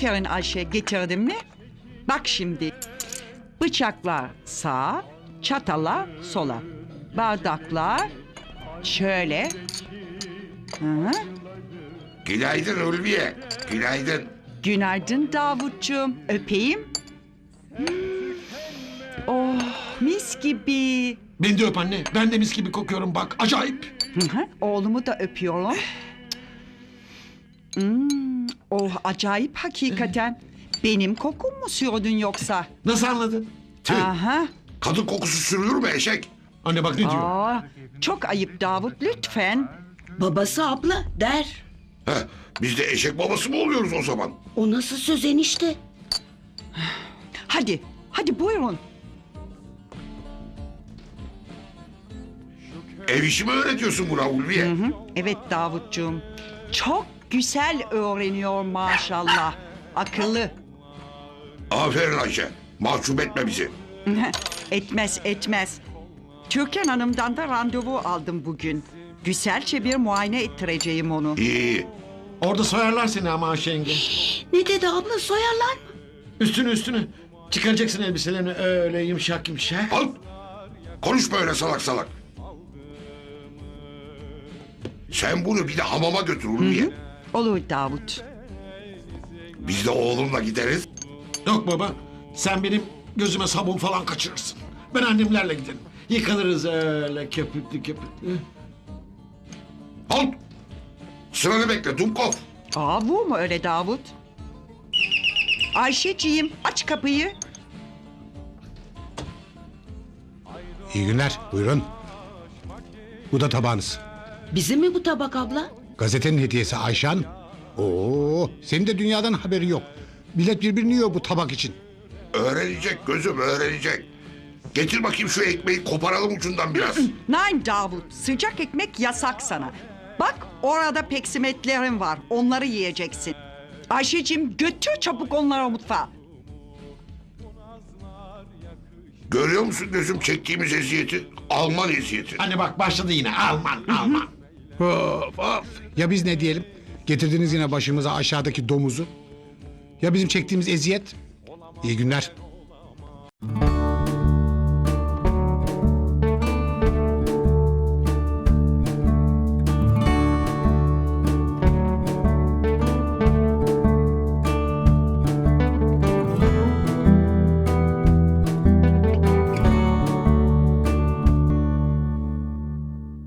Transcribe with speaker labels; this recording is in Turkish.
Speaker 1: Aferin Ayşe, getirdin mi? Bak şimdi. Bıçaklar sağa, çatala sola. Bardaklar şöyle. Hı.
Speaker 2: Günaydın Ulviye. Günaydın.
Speaker 1: Günaydın Davutcuğum. Öpeyim. Oh, mis gibi.
Speaker 3: Beni de öp anne. Ben de mis gibi kokuyorum bak. Acayip.
Speaker 1: Hı. Oğlumu da öpüyorum. Oh, acayip hakikaten. Benim kokum mu sürdün yoksa?
Speaker 3: Nasıl anladın?
Speaker 2: Tüh.
Speaker 1: Aha.
Speaker 2: Kadın kokusu sürülür mü eşek?
Speaker 3: Anne bak ne diyor?
Speaker 1: Aa, çok ayıp Davut, lütfen.
Speaker 4: Babası abla der.
Speaker 2: Heh, biz de eşek babası mı oluyoruz o zaman?
Speaker 4: O nasıl söz enişte?
Speaker 1: Hadi, hadi buyurun.
Speaker 2: Ev işi mi öğretiyorsun buna Ulviye?
Speaker 1: Hı, evet Davutcuğum. Çok güzel öğreniyor maşallah. Akıllı.
Speaker 2: Aferin Ayşe. Mahcup etme bizi.
Speaker 1: Etmez, etmez. Türkan Hanım'dan da randevu aldım bugün. Güzelce bir muayene ettireceğim onu.
Speaker 2: İyi.
Speaker 3: Orada soyarlar seni ama Ayşe yenge.
Speaker 4: Ne dedi abla, soyarlar mı?
Speaker 3: Üstünü. Çıkaracaksın elbiselerini öyle yumuşak yumuşak.
Speaker 2: Al. Konuşma öyle salak salak. Sen bunu bir de hamama götür Ulviye.
Speaker 1: Olur Davut.
Speaker 2: Biz de oğlumla gideriz.
Speaker 3: Yok baba. Sen benim gözüme sabun falan kaçırırsın. Ben annemlerle giderim. Yıkanırız öyle köpüklü köpüklü.
Speaker 2: Al. Sıranı bekle Dumkov.
Speaker 1: Aa, bu mu öyle Davut? Ayşeciğim, aç kapıyı.
Speaker 5: İyi günler, buyurun. Bu da tabağınız.
Speaker 4: Bizim mi bu tabak abla?
Speaker 5: Gazetenin hediyesi Ayşan. Oo, senin de dünyadan haberi yok. Millet birbirini yiyor bu tabak için.
Speaker 2: Öğrenecek gözüm öğrenecek. Getir bakayım şu ekmeği koparalım ucundan biraz.
Speaker 1: Nein Davut, sıcak ekmek yasak sana. Bak orada peksimetlerin var, onları yiyeceksin. Ayşeciğim götür çabuk onları mutfağa.
Speaker 2: Görüyor musun gözüm çektiğimiz eziyeti? Alman eziyeti.
Speaker 3: Anne bak başladı yine Alman.
Speaker 5: Of of. Ya biz ne diyelim? Getirdiniz yine başımıza aşağıdaki domuzu. Ya bizim çektiğimiz eziyet? İyi günler.